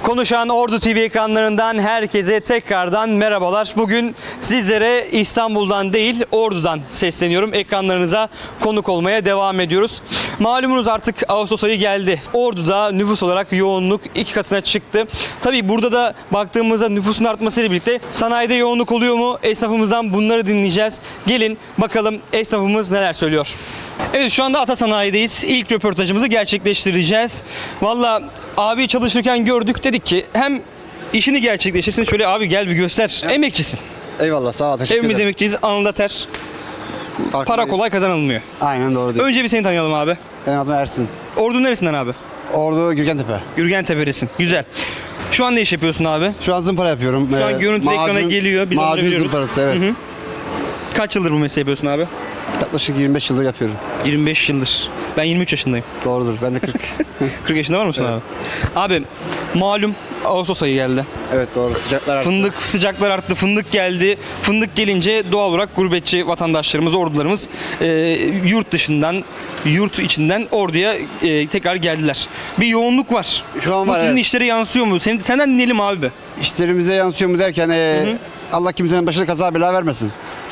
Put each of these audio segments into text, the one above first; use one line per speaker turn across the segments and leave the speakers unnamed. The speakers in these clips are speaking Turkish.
Konuşan Ordu TV ekranlarından herkese tekrardan merhabalar. Bugün sizlere İstanbul'dan değil Ordu'dan sesleniyorum. Ekranlarınıza konuk olmaya devam ediyoruz. Malumunuz artık Ağustos ayı geldi. Ordu'da nüfus olarak yoğunluk 2 katına çıktı. Tabii burada da baktığımızda nüfusun artmasıyla birlikte sanayide yoğunluk oluyor mu? Esnafımızdan bunları dinleyeceğiz. Gelin bakalım esnafımız neler söylüyor. Evet, şu anda Ata Sanayi'deyiz. İlk röportajımızı gerçekleştireceğiz. Valla abi çalışırken gördük, dedik ki hem işini gerçekleştirsin, şöyle abi gel bir göster. Emekçisin.
Eyvallah, sağ ol, teşekkür
Hepimiz
ederim.
emekçiyiz. Alnında ter. Para kolay kazanılmıyor.
Aynen doğru diyor.
Önce bir seni tanıyalım abi.
Benim adım Ersin.
Ordu neresinden abi?
Ordu Gürgentepe.
Gürgentepe'lisin. Güzel. Şu an ne iş yapıyorsun abi?
Şu an zımpara yapıyorum.
Şu an görüntü ekrana geliyor. Biz onları
macun
biliyoruz.
zımparası, evet.
Hı hı. Kaç yıldır bu mesleği yapıyorsun abi?
Yaklaşık 25 yıldır yapıyorum.
25 yıldır. Ben 23 yaşındayım.
Doğrudur, ben de 40.
40 yaşında var mısın
Evet.
abi? Abi malum Ağustos ayı geldi.
Evet doğru, sıcaklar arttı.
Fındık, sıcaklar arttı, fındık geldi. Fındık gelince doğal olarak gurbetçi vatandaşlarımız, ordularımız yurt dışından, yurt içinden Ordu'ya tekrar geldiler. Bir yoğunluk var.
Şu an
Bu
var,
sizin
evet.
işlere yansıyor mu? Senden dinleyelim abi be.
İşlerimize yansıyor mu derken Allah kimsenin başına kaza bela vermesin.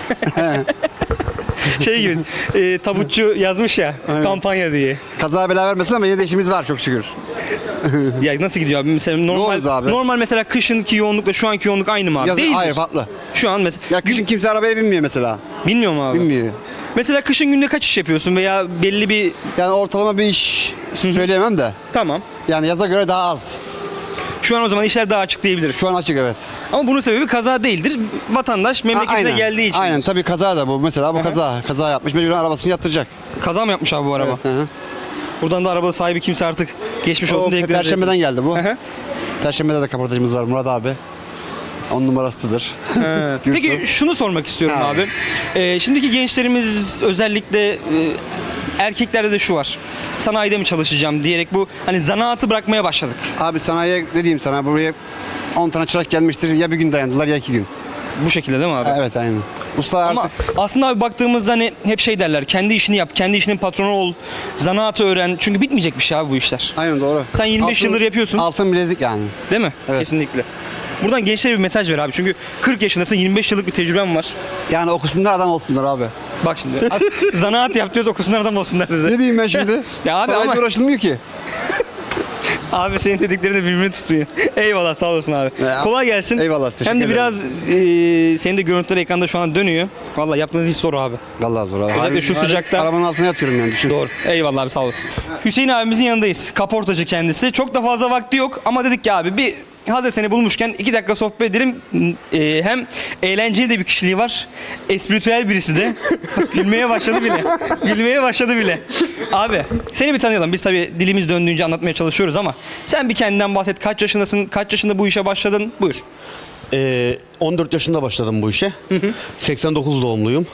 Şey gibi, tabutçu yazmış ya,
Aynen.
kampanya diye.
Kaza bela vermesin ama yine de işimiz var çok şükür.
Ya nasıl gidiyor abi? Mesela
Yoğunuz abi.
normal mesela kışınki yoğunlukla şu anki yoğunluk aynı mı abi?
Yazın,
Değildir.
hayır, farklı.
Şu an mesela.
Ya kışın kimse arabaya binmiyor mesela.
Bilmiyor mu abi?
Binmiyor.
Mesela kışın günde kaç iş yapıyorsun veya belli bir...
Yani ortalama bir iş söyleyemem de.
Tamam.
Yani yaza göre daha az.
Şu an o zaman işler daha açık diyebiliriz.
Şu an açık, evet.
Ama bunun sebebi kaza değildir. Vatandaş memleketine
Aynen.
geldiği için.
Aynen, tabii kaza da bu. Mesela bu
Hı hı.
kaza yapmış. Mecburen arabasını yaptıracak.
Kaza mı yapmış abi bu araba?
Evet, hı hı.
Buradan da araba sahibi kimse artık geçmiş olsun
O
dileklerimizi
Perşembeden geldi bu.
Hı hı.
Perşembede de kaportacımız var, Murat abi. 10 numarasıdır.
Peki şunu sormak istiyorum
Ha.
abi. Şimdiki gençlerimiz özellikle erkeklerde de şu var. Sanayide mi çalışacağım diyerek bu hani zanaatı bırakmaya başladık.
Abi sanayiye ne diyeyim sana, buraya 10 tane çırak gelmiştir. Ya bir gün dayandılar ya 2 gün.
Bu şekilde değil mi abi?
Evet, aynen. Usta
Ama
artık
aslında abi baktığımızda hani hep şey derler. Kendi işini yap, kendi işinin patronu ol, zanaatı öğren. Çünkü bitmeyecek bir şey abi bu işler.
aynen doğru.
Sen 25 yıldır yapıyorsun.
Altın bilezik yani.
Değil mi?
Evet.
Kesinlikle. Buradan gençlere bir mesaj ver abi. Çünkü 40 yaşındasın, 25 yıllık bir tecrüben var.
Yani okusunlar, adam olsunlar abi.
Bak şimdi. Zanaat yap diyoruz, okusunlar adam olsunlar dedi.
Ne diyeyim ben şimdi?
Ya abi
Sanayide
ama-
uğraşılmıyor ki.
Abi senin dediklerini de birbirini tutuyor. Eyvallah, sağ olasın abi.
Ya,
Kolay gelsin.
eyvallah, teşekkür
Hem de
ederim.
biraz senin de görüntüler ekranda şu an dönüyor. Vallahi yaptığınız iş zor abi.
Vallahi zor abi.
Özellikle şu sıcakta.
Arabanın altına yatıyorum yani, düşün.
Doğru. Eyvallah abi, sağ olasın. Hüseyin abimizin yanındayız. Kaportacı kendisi. Çok da fazla vakti yok ama dedik ki abi bir hazır seni bulmuşken 2 dakika sohbet edelim. Hem eğlenceli de bir kişiliği var. Espritüel birisi de. Gülmeye başladı bile. Gülmeye başladı bile. Abi seni bir tanıyalım. Biz tabii dilimiz döndüğünce anlatmaya çalışıyoruz ama sen bir kendinden bahset. Kaç yaşındasın? Kaç yaşında bu işe başladın? Buyur.
14 yaşında başladım bu işe. 89 doğumluyum.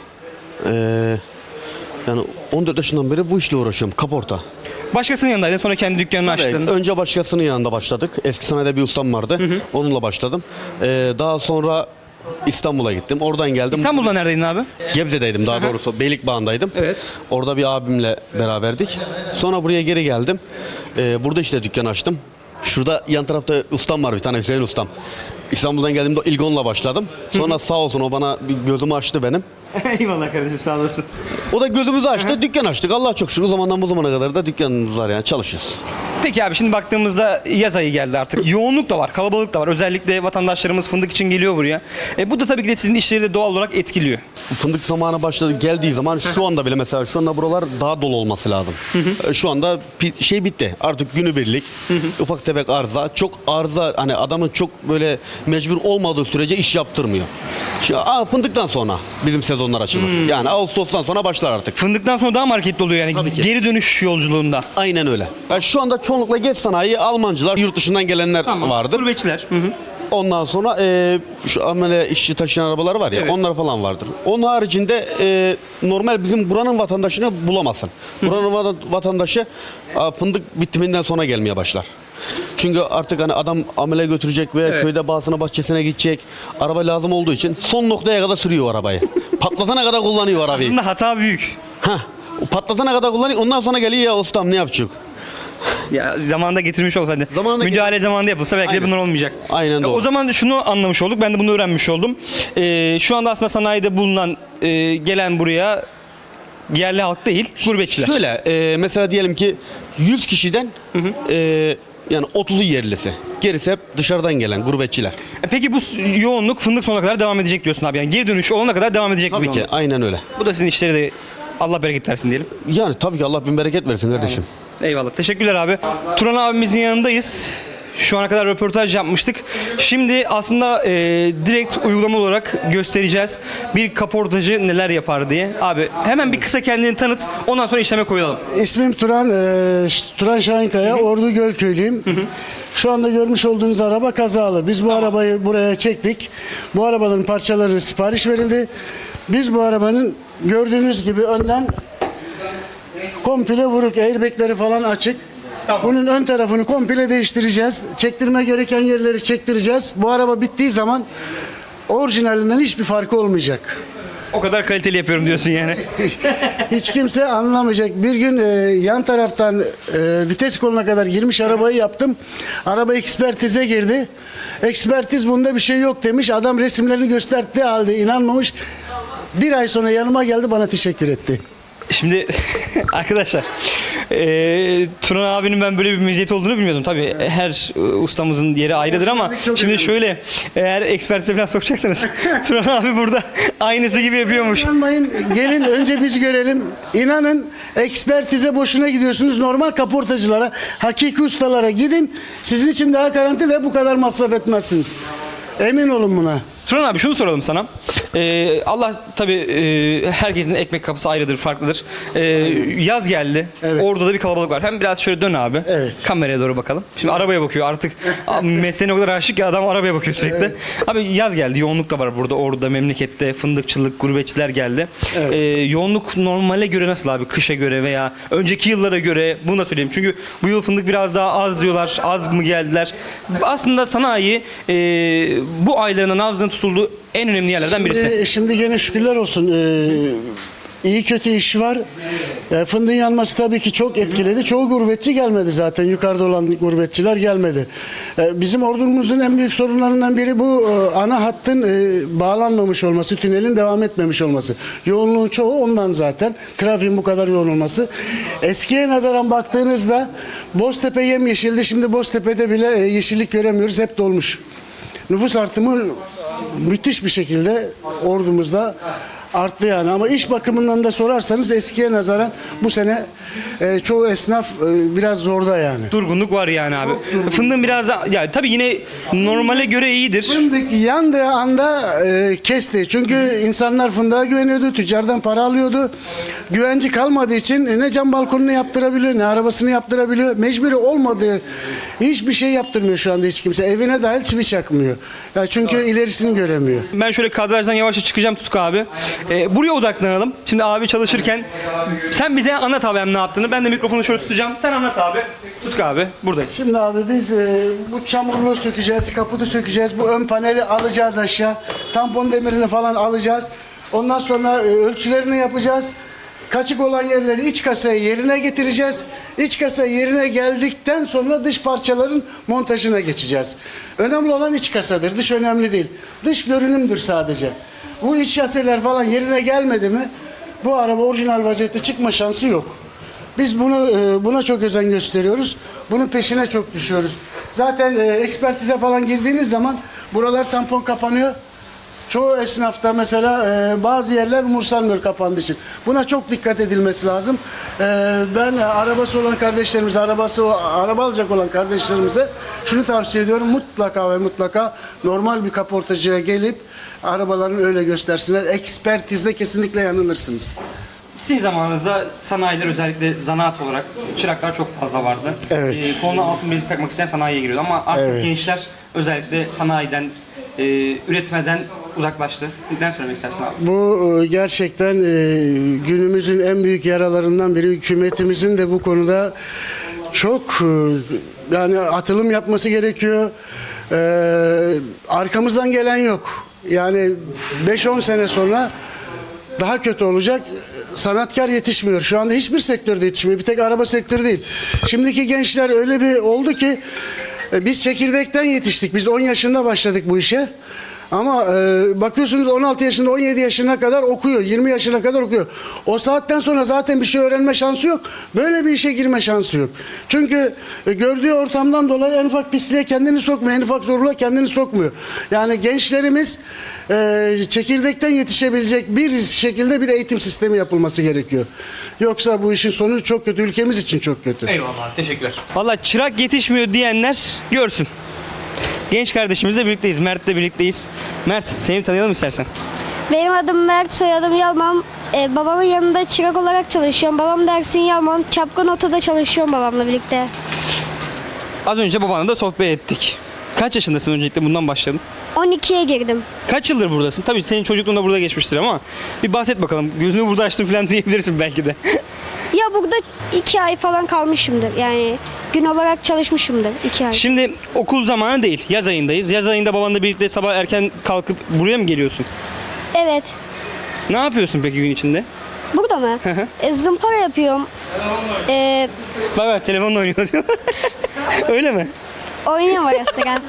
Yani 14 yaşından beri bu işle uğraşıyorum. Kaporta.
Başkasının yanındaydın, sonra kendi dükkanını açtın.
Önce başkasının yanında başladık. Eski sanayide bir ustam vardı. Onunla başladım. Daha sonra İstanbul'a gittim. Oradan geldim.
İstanbul'da neredeydin abi?
Gebze'deydim daha doğrusu. Beylikbağı'ndaydım.
Evet.
Orada bir abimle beraberdik. Sonra buraya geri geldim. Burada işte dükkan açtım. Şurada yan tarafta ustam var, bir tane Hüseyin ustam. İstanbul'dan geldiğimde İlgon'la başladım. Sonra sağ olsun o bana bir gözümü açtı benim.
Eyvallah kardeşim, sağ olasın.
O da gözümüzü açtı, dükkan açtık. Allah çok şükür o zamandan bu zamana kadar da dükkanımız var yani, çalışıyoruz.
Peki abi, şimdi baktığımızda yaz ayı geldi artık. Yoğunluk da var, kalabalık da var. Özellikle vatandaşlarımız fındık için geliyor buraya. Bu da tabii ki de sizin işleri de doğal olarak etkiliyor.
Fındık zamanı başladı, geldiği zaman şu anda bile mesela şu anda buralar daha dolu olması lazım. Şu anda şey bitti. Artık günübirlik ufak tefek arıza, çok arıza, hani adamın çok böyle mecbur olmadığı sürece iş yaptırmıyor. Fındıktan sonra bizim sezonlar açılır. Yani Ağustos'tan sonra başlar artık.
Fındıktan sonra daha marketli oluyor yani,
Tabii ki.
geri dönüş yolculuğunda.
Aynen öyle. Yani şu anda çoğunlukla geç sanayi, Almancılar, yurt dışından gelenler vardır.
Gurbetçiler.
Ondan sonra şu amele işçi taşıyan arabalar var ya,
Evet.
onlar falan vardır. Onun haricinde normal bizim buranın vatandaşını bulamazsın. Buranın vatandaşı fındık bitiminden sonra gelmeye başlar. Çünkü artık hani adam amele götürecek veya
Evet.
köyde bağısına bahçesine gidecek. Araba lazım olduğu için son noktaya kadar sürüyor o arabayı. Patlatana kadar kullanıyor arabayı.
Aslında hata büyük.
O patlatana kadar kullanıyor. Ondan sonra geliyor, ya ustam ne yapacak?
Ya zamanında getirmiş olsaydı.
Zamanında
Müdahale zamanında yapılsa belki de
Aynen.
bunlar olmayacak.
Aynen doğru.
O zaman şunu anlamış olduk. Ben de bunu öğrenmiş oldum. Şu anda aslında sanayide bulunan gelen buraya yerli halk değil, gurbetçiler.
Şöyle mesela diyelim ki 100 kişiden yani 30'u yerlisi. Gerisi hep dışarıdan gelen gurbetçiler.
Peki bu yoğunluk fındık sonuna kadar devam edecek diyorsun abi. Yani geri dönüş olana kadar devam edecek
Tabii
bu
ki
yoğunluk.
aynen öyle.
Bu da sizin işleri de Allah bereket versin diyelim.
Yani tabii ki Allah bin bereket versin kardeşim.
Eyvallah. Teşekkürler abi. Turan abimizin yanındayız. Şu ana kadar röportaj yapmıştık. Şimdi aslında direkt uygulama olarak göstereceğiz. Bir kaportacı neler yapar diye. Abi hemen bir kısa kendini tanıt. Ondan sonra işleme koyalım.
İsmim Turan, Turan Şahinkaya, Ordu Gölköylüyüm. Şu anda görmüş olduğunuz araba kazalı. Biz bu arabayı buraya çektik. Bu arabanın parçaları sipariş verildi. Biz bu arabanın gördüğünüz gibi önden komple vuruk, airbagleri falan açık.
Tamam.
Bunun ön tarafını komple değiştireceğiz. Çektirme gereken yerleri çektireceğiz. Bu araba bittiği zaman orijinalinden hiçbir farkı olmayacak.
O kadar kaliteli yapıyorum diyorsun yani.
Hiç kimse anlamayacak. Bir gün yan taraftan vites koluna kadar girmiş arabayı yaptım. Araba ekspertize girdi. Ekspertiz bunda bir şey yok demiş. Adam resimlerini gösterdiği halde inanmamış. Bir ay sonra yanıma geldi bana teşekkür etti.
Şimdi arkadaşlar Turan abinin ben böyle bir meziyeti olduğunu bilmiyordum. Tabii her ustamızın yeri ayrıdır ama
Çok
şimdi
önemli.
şöyle eğer ekspertize falan sokacaksanız Turan abi burada aynısı gibi yapıyormuş.
İnanmayın, gelin önce biz görelim. İnanın ekspertize boşuna gidiyorsunuz. Normal kaportacılara, hakiki ustalara gidin. Sizin için daha garanti ve bu kadar masraf etmezsiniz. Emin olun buna.
Turan abi şunu soralım sana. Allah tabii herkesin ekmek kapısı ayrıdır, farklıdır. Yaz geldi.
Evet.
Orada da bir kalabalık var. Hem biraz şöyle dön abi.
Evet.
Kameraya doğru bakalım. Şimdi arabaya bakıyor artık. Mesleğine o kadar aşık ki adam arabaya bakıyor sürekli. Abi yaz geldi. Yoğunluk da var burada. Orada memlekette fındıkçılık, gurbetçiler geldi. Yoğunluk normale göre nasıl abi? Kışa göre veya önceki yıllara göre bunu da söyleyeyim. Çünkü bu yıl fındık biraz daha az diyorlar. Az mı geldiler? Aslında sanayi bu aylarının nabzının tutulduğu en önemli yerlerden birisi.
Şimdi gene şükürler olsun. İyi kötü iş var. Fındığın yanması tabii ki çok etkiledi. Çoğu gurbetçi gelmedi zaten. Yukarıda olan gurbetçiler gelmedi. Bizim ordumuzun en büyük sorunlarından biri bu ana hattın bağlanmamış olması, tünelin devam etmemiş olması. Yoğunluğun çoğu ondan zaten. Trafiğin bu kadar yoğun olması. Eskiye nazaran baktığınızda Boztepe yemyeşildi. Şimdi Boztepe'de bile yeşillik göremiyoruz. Hep dolmuş. Nüfus artımı müthiş bir şekilde ordumuzda arttı yani. Ama iş bakımından da sorarsanız eskiye nazaran bu sene çoğu esnaf biraz zorda yani.
Durgunluk var yani abi. Fındığın biraz da ya tabii yine normale göre iyidir.
Fındık yandığı anda kesti. Çünkü insanlar fındığa güveniyordu, tüccardan para alıyordu. Güvenci kalmadığı için ne cam balkonunu yaptırabiliyor, ne arabasını yaptırabiliyor. Mecburi olmadığı hiçbir şey yaptırmıyor şu anda hiç kimse. Evine dahil çivi çakmıyor. Ya çünkü ilerisini göremiyor.
Ben şöyle kadrajdan yavaşça çıkacağım Tutku abi. Buraya odaklanalım. Şimdi abi çalışırken sen bize anlat abi hem ne yaptığını. Ben de mikrofonu şöyle tutacağım. Sen anlat abi. Tutku abi buradayız.
Şimdi abi biz bu çamurluğu sökeceğiz, kaputu sökeceğiz. Bu ön paneli alacağız aşağı. Tampon demirini falan alacağız. Ondan sonra ölçülerini yapacağız. Kaçık olan yerleri iç kasayı yerine getireceğiz. İç kasa yerine geldikten sonra dış parçaların montajına geçeceğiz. Önemli olan iç kasadır. Dış önemli değil. Dış görünümdür sadece. Bu iç şaseler falan yerine gelmedi mi bu araba orijinal vaziyette çıkma şansı yok. Biz buna çok özen gösteriyoruz. Bunun peşine çok düşüyoruz. Zaten ekspertize falan girdiğiniz zaman buralar tampon kapanıyor. Çoğu esnafta mesela bazı yerler umursanmıyor kapandığı için. Buna çok dikkat edilmesi lazım. Ben arabası olan kardeşlerimize, araba alacak olan kardeşlerimize şunu tavsiye ediyorum. Mutlaka ve mutlaka normal bir kaportacıya gelip arabalarını öyle göstersinler. Ekspertizde kesinlikle yanılırsınız.
Sizin zamanınızda sanayiler özellikle zanaat olarak çıraklar çok fazla vardı.
Evet.
Koluna altın bilezik takmak isteyen sanayiye giriyordu ama artık
Evet.
gençler özellikle sanayiden, üretmeden uzaklaştı. Ne söylemek istersin abi?
Bu gerçekten günümüzün en büyük yaralarından biri. Hükümetimizin de bu konuda çok yani atılım yapması gerekiyor. Arkamızdan gelen yok. Yani 5-10 sene sonra daha kötü olacak. Sanatkar yetişmiyor. Şu anda hiçbir sektörde yetişmiyor. Bir tek araba sektörü değil. Şimdiki gençler öyle bir oldu ki biz çekirdekten yetiştik. Biz 10 yaşında başladık bu işe. Ama bakıyorsunuz 16 yaşında 17 yaşına kadar okuyor. 20 yaşına kadar okuyor. O saatten sonra zaten bir şey öğrenme şansı yok. Böyle bir işe girme şansı yok. Çünkü gördüğü ortamdan dolayı en ufak pisliğe kendini sokmuyor. En ufak zorluğa kendini sokmuyor. Yani gençlerimiz çekirdekten yetişebilecek bir şekilde bir eğitim sistemi yapılması gerekiyor. Yoksa bu işin sonu çok kötü. Ülkemiz için çok kötü.
Eyvallah abi, teşekkürler. Valla çırak yetişmiyor diyenler görsün. Genç kardeşimizle birlikteyiz. Mert'le birlikteyiz. Mert, seni tanıyalım istersen.
Benim adım Mert, soyadım Yalman. Babamın yanında çırak olarak çalışıyorum. Babam da Ersin Yalman. Çapkın Oto'da çalışıyorum babamla birlikte.
Az önce babanla da sohbet ettik. Kaç yaşındasın, öncelikle bundan başlayalım.
12'ye girdim.
Kaç yıldır buradasın? Tabii senin çocukluğunda burada geçmiştir ama bir bahset bakalım. Gözünü burada açtın falan diyebilirsin belki de.
Ya burada 2 ay falan kalmışımdır. Yani gün olarak çalışmışımdır 2 ay.
Şimdi okul zamanı değil. Yaz ayındayız. Yaz ayında babanla birlikte sabah erken kalkıp buraya mı geliyorsun?
Evet.
Ne yapıyorsun peki gün içinde?
Burada mı? Zımpara yapıyorum.
Bak bak, telefonla oynuyor diyor. Öyle mi?
Oynuyorum ara sıra.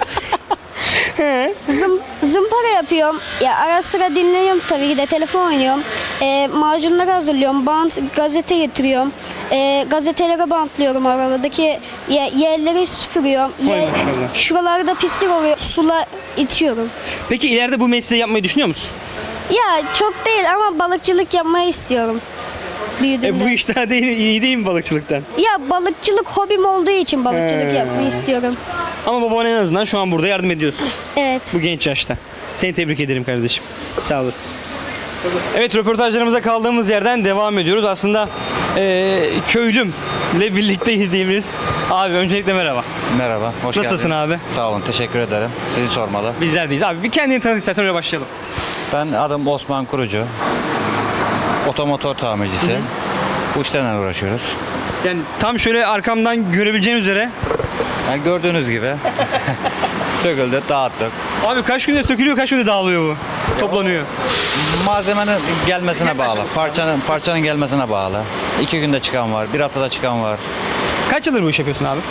Zımpara yapıyorum. Ya ara sıra dinliyorum tabii ki de, telefon oynuyorum. Macunları hazırlıyorum. Bant, gazete getiriyorum. Gazetelere bantlıyorum arabadaki yerleri süpürüyorum.
Vay maşallah.
Şuralarda pislik oluyor. Sula itiyorum.
Peki ileride bu mesleği yapmayı düşünüyor musun?
Ya çok değil ama balıkçılık yapmayı istiyorum. Büyüdüğümde.
Bu iş daha değil, iyi değil mi balıkçılıktan?
Ya balıkçılık hobim olduğu için balıkçılık yapmayı istiyorum.
Ama baban en azından şu an burada yardım ediyorsun.
Evet.
Bu genç yaşta. Seni tebrik ederim kardeşim. Sağ olasın. Evet, röportajlarımıza kaldığımız yerden devam ediyoruz. Aslında köylümle birlikteyiz diyebiliriz. Abi öncelikle merhaba.
Merhaba, hoş geldin.
Nasılsın abi?
Sağ olun, teşekkür ederim. Sizi sormalı.
Bizler deyiz. Abi bir kendini tanıt istersen öyle başlayalım.
Ben adım Osman Kurucu. Otomotor tamircisi. Bu işlerle uğraşıyoruz.
Yani tam şöyle arkamdan görebileceğin üzere.
Yani gördüğünüz gibi söküldü, dağıttık.
Abi kaç günde sökülüyor, kaç günde dağılıyor bu? Toplanıyor.
Malzemenin gelmesine bağlı. Parçanın gelmesine bağlı. 2 günde çıkan var, 1 haftada çıkan var.
Kaç yıldır bu iş yapıyorsun abi?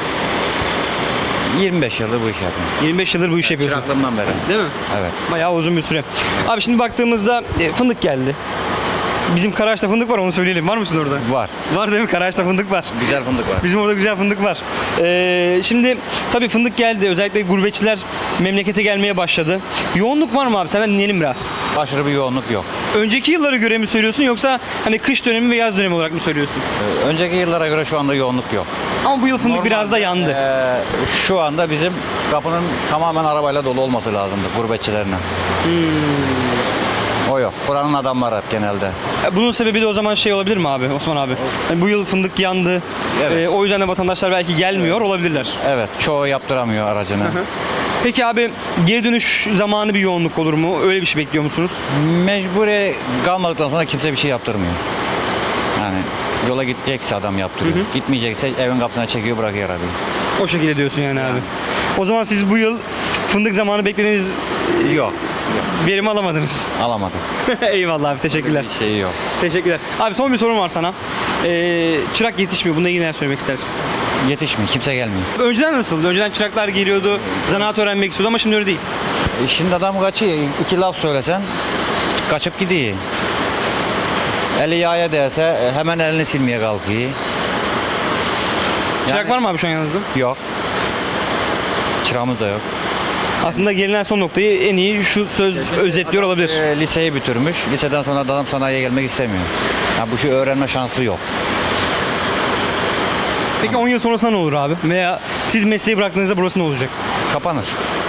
25 yıldır bu işi yapıyorum.
25 yıldır bu iş yapıyorsun.
Çıraklığımdan beri.
Değil mi?
Evet.
Bayağı uzun bir süre. Abi şimdi baktığımızda fındık geldi. Bizim Karaağaç'ta fındık var, onu söyleyelim. Var mısın orada?
Var.
Var değil mi? Karaağaç'ta fındık var.
Güzel fındık var.
Bizim orada güzel fındık var. Şimdi tabii fındık geldi. Özellikle gurbetçiler memlekete gelmeye başladı. Yoğunluk var mı abi? Senden dinleyelim biraz.
Aşırı bir yoğunluk yok.
Önceki yıllara göre mi söylüyorsun, yoksa hani kış dönemi ve yaz dönemi olarak mı söylüyorsun?
Önceki yıllara göre şu anda yoğunluk yok.
Ama bu yıl fındık biraz da yandı.
Şu anda bizim kapının tamamen arabayla dolu olması lazımdı gurbetçilerine. O yok. Buranın adamları hep genelde.
Bunun sebebi de o zaman şey olabilir mi abi, Osman abi? Yani bu yıl fındık yandı.
Evet.
O yüzden de vatandaşlar belki gelmiyor olabilirler.
Evet, çoğu yaptıramıyor aracını.
Peki abi, geri dönüş zamanı bir yoğunluk olur mu? Öyle bir şey bekliyor musunuz?
Mecburi kalmadıktan sonra kimse bir şey yaptırmıyor. Yani yola gidecekse adam yaptırıyor. Gitmeyecekse evin kapısına çekiyor, bırakıyor arabayı.
O şekilde diyorsun yani abi. O zaman siz bu yıl fındık zamanı beklediğiniz
Yok,
verimi alamadınız.
alamadık.
Eyvallah abi, teşekkürler.
Bir şey yok.
Teşekkürler. Abi son bir sorum var sana. Çırak yetişmiyor. Bununla ilgili neler söylemek istersin?
Yetişmiyor, kimse gelmiyor.
Önceden nasıldı? Önceden çıraklar geliyordu, zanaat öğrenmek istiyordu ama şimdi öyle değil.
Şimdi adam kaçıyor, 2 laf söylesen kaçıp gidiyor. Eli yağa değse hemen elini silmeye kalkıyor.
Çırak var mı abi şu an yanınızda?
Yok. Çırağımız da yok.
Aslında gelinen son noktayı en iyi şu söz özetliyor olabilir.
Liseyi bitirmiş. Liseden sonra adam sanayiye gelmek istemiyor. Yani bu şey öğrenme şansı yok.
Peki 10 yıl sonrasında ne olur abi? Veya siz mesleği bıraktığınızda burası ne olacak?
Kapanır.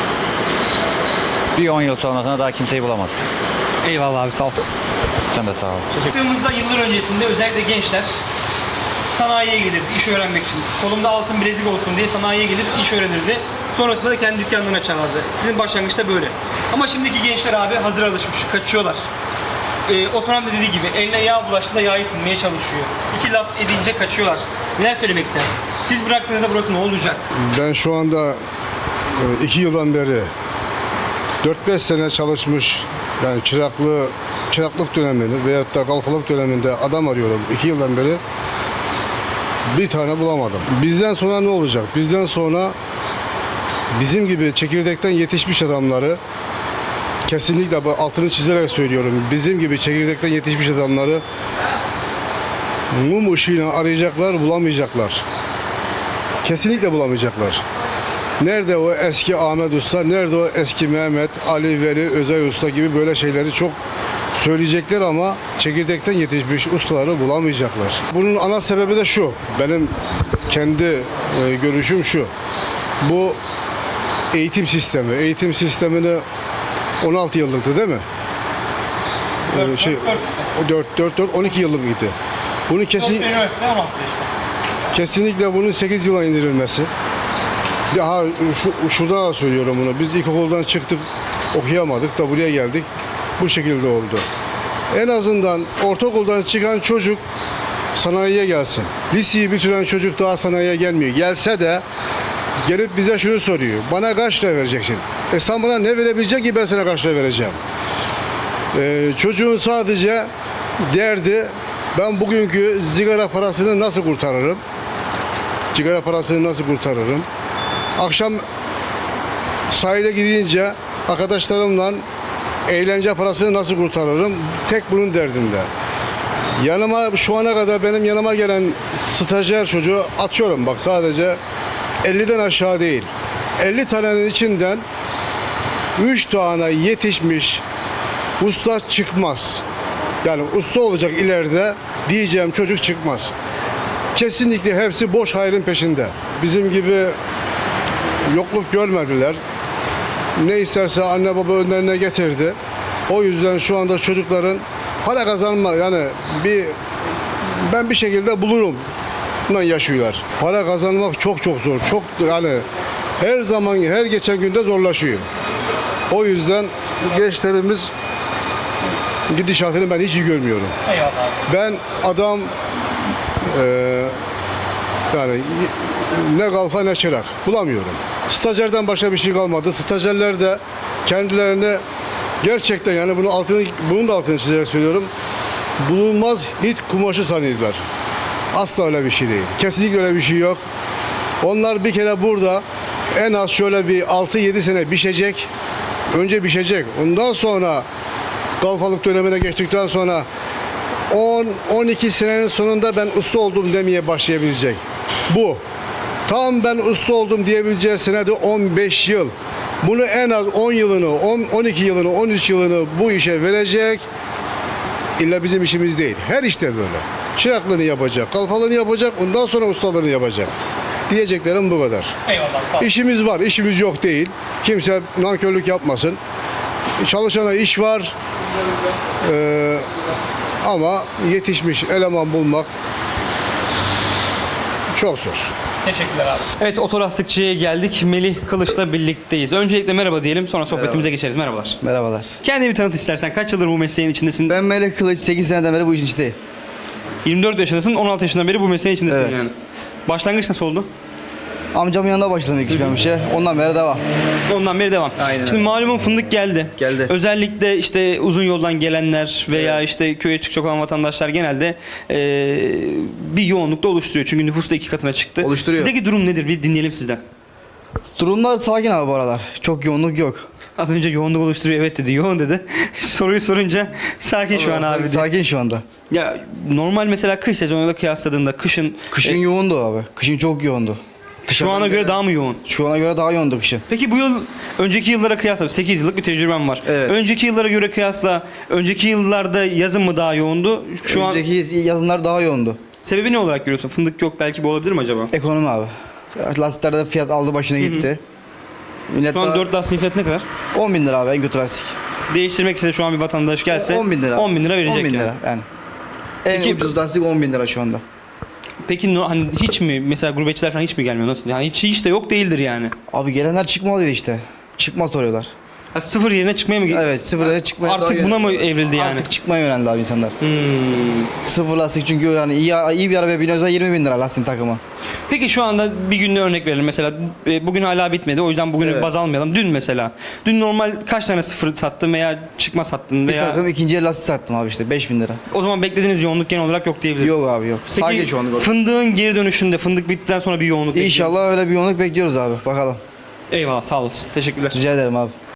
Bir 10 yıl sonrasında daha kimseyi bulamaz.
Eyvallah abi, sağ olsun.
Sen de sağ ol.
Baktığımızda yıllar öncesinde özellikle gençler sanayiye gelirdi iş öğrenmek için. Kolumda altın bilezik olsun diye sanayiye gelir iş öğrenirdi. Sonrasında da kendi dükkanlarını açarlardı. Sizin başlangıçta böyle. Ama şimdiki gençler abi hazır alışmış, kaçıyorlar. Osman abi de dediği gibi eline yağ bulaştığında yağı sinmeye çalışıyor. 2 laf edince kaçıyorlar. Neler söylemek istersin? Siz bıraktığınızda burası ne olacak?
Ben şu anda 2 yıldan beri 4-5 sene çalışmış Yani çıraklık döneminde veyahut da kalfalık döneminde adam arıyorum 2 yıldan beri. Bir tane bulamadım. Bizden sonra ne olacak? Bizden sonra bizim gibi çekirdekten yetişmiş adamları, kesinlikle altını çizerek söylüyorum, bizim gibi çekirdekten yetişmiş adamları mum ışığıyla arayacaklar, bulamayacaklar. Kesinlikle bulamayacaklar. Nerede o eski Ahmet Usta, nerede o eski Mehmet, Ali, Veli, Özay Usta gibi böyle şeyleri çok söyleyecekler ama çekirdekten yetişmiş ustaları bulamayacaklar. Bunun ana sebebi de şu, benim kendi görüşüm şu. Bu eğitim sistemi. Eğitim sistemini 16 yıllıktı değil mi? 12 yıllık mıydı? Bunu
Üniversite 16 işte.
kesinlikle bunun 8 yıla indirilmesi. Daha şuradan da söylüyorum bunu. Biz ilkokuldan çıktık, okuyamadık da buraya geldik. Bu şekilde oldu. En azından ortaokuldan çıkan çocuk sanayiye gelsin. Liseyi bitiren çocuk daha sanayiye gelmiyor. Gelse de gelip bize şunu soruyor. Bana kaç lira vereceksin? Sen bana ne verebilecek ki ben sana kaç lira vereceğim? Çocuğun sadece derdi ben bugünkü sigara parasını nasıl kurtarırım? Sigara parasını nasıl kurtarırım? Akşam sahile gidince arkadaşlarımla eğlence parasını nasıl kurtarırım? Tek bunun derdinde. Yanıma şu ana kadar benim yanıma gelen stajyer çocuğu atıyorum bak sadece 50'den aşağı değil. 50 tanenin içinden 3 tane yetişmiş usta çıkmaz. Yani usta olacak ileride diyeceğim çocuk çıkmaz. Kesinlikle hepsi boş hayrın peşinde. Bizim gibi yokluk görmediler. Ne isterse anne baba önlerine getirdi. O yüzden şu anda çocukların para kazanma yani ben bir şekilde bulurum yaşıyorlar. Para kazanmak çok çok zor. Çok yani her zaman her geçen günde zorlaşıyor. O yüzden gençlerimiz gidişatını ben hiç iyi görmüyorum.
Eyvallah.
Ben adam yani ne kalfa ne çırak bulamıyorum. Stajyerden başka bir şey kalmadı. Stajyerler de kendilerine gerçekten yani bunun da altını çizerek söylüyorum. Bulunmaz Hint kumaşı sanıyorlar. Asla öyle bir şey değil. Kesinlikle öyle bir şey yok. Onlar bir kere burada en az şöyle bir 6-7 sene pişecek. Önce pişecek. Ondan sonra kalfalık dönemine geçtikten sonra 10-12 senenin sonunda ben usta oldum demeye başlayabilecek. Bu. Tam ben usta oldum diyebileceği sene de 15 yıl. Bunu en az 10 yılını, 12 yılını, 13 yılını bu işe verecek. İlla bizim işimiz değil. Her işte böyle. Çıraklığını yapacak, kalfalığını yapacak, ondan sonra ustalığını yapacak. Diyeceklerim bu kadar.
Eyvallah. Sağ ol.
İşimiz var, işimiz yok değil. Kimse nankörlük yapmasın. Çalışana iş var. Ama yetişmiş eleman bulmak çok zor.
Teşekkürler abi. Evet, otolastikçiye geldik. Melih Kılıç'la birlikteyiz. Öncelikle merhaba diyelim, sonra sohbetimize geçeriz. Merhabalar.
Merhabalar.
Kendini bir tanıt istersen. Kaç yıldır bu mesleğin içindesin?
Ben Melih Kılıç, 8 seneden beri bu işin içindeyim.
24 yaşındasın, 16 yaşından beri bu mesleğin içindesin
Evet.
yani. Başlangıç nasıl oldu?
Amcamın yanında başladım ilk iş ben bu işe. Ondan beri devam.
Ondan beri devam.
Aynen
Şimdi
öyle.
malumun fındık geldi.
Geldi.
Özellikle işte uzun yoldan gelenler veya işte köye çıkacak olan vatandaşlar genelde bir yoğunlukta oluşturuyor. Çünkü nüfus da 2 katına çıktı.
Oluşturuyor.
Sizdeki durum nedir? Bir dinleyelim sizden.
Durumlar sakin abi bu aralar. Çok yoğunluk yok.
Az önce yoğunluk oluşturuyor evet dedi, yoğun dedi. Soruyu sorunca sakin şu an abi. dedi.
Sakin şu anda.
Ya normal mesela kış sezonuyla kıyasladığında kışın
Kışın yoğundu abi. Kışın çok yoğundu.
şu ana göre daha mı yoğun?
Şu ana göre daha yoğundu kışın.
Peki bu yıl önceki yıllara kıyasla 8 yıllık bir tecrübem var.
Evet.
Önceki yıllara göre kıyasla önceki yıllarda yazın mı daha yoğundu? Şu an
Önceki yazınlar daha yoğundu.
sebebi ne olarak görüyorsun? Fındık yok belki bu olabilir mi acaba?
Ekonomi abi. Lastiklerde fiyat aldı başına gitti. Millet
Şu an
daha-
4 lastik fiyatı ne kadar?
10 bin lira abi en kötü lastik.
Değiştirmek istese şu an bir vatandaş gelse
10 bin lira.
10 bin lira verecek
10 bin
yani.
lira yani. En
Peki-
ucuz lastik 10 bin lira şu anda.
Peki hani hiç mi mesela gurbetçiler falan hiç mi gelmiyor? Nasıl? Yani hiç de yok değildir yani.
Abi gelenler çıkma oluyor işte. Çıkma soruyorlar.
Ha, sıfır yerine çıkmaya mı gidiyor?
Evet, sıfıra çıkmaya
Artık
doğru
buna mı
yöneldi.
evrildi yani?
Artık çıkmaya yöneldi abi insanlar.
Hmm.
Sıfır lastik çünkü yani iyi bir arabaya biniyorsa 20 bin lira lastik takımı.
Peki şu anda bir günde örnek verelim. Mesela bugün hala bitmedi. O yüzden bugünü
Evet.
baz almayalım. Dün mesela. Dün normal kaç tane sıfır sattın veya çıkma sattın
Bir
veya...
takım ikinci el lastik sattım abi işte 5 bin lira.
O zaman beklediğiniz yoğunluk genel olarak yok diyebiliriz.
Yok abi yok. Sadece
Peki
şu anda.
fındığın geri dönüşünde, fındık bittikten sonra bir yoğunluk bekliyor musun?
İnşallah öyle bir yoğunluk bekliyoruz abi. Bakalım.
Eyvallah, sağ olasın. Teşekkürler.
Rica ederim abi.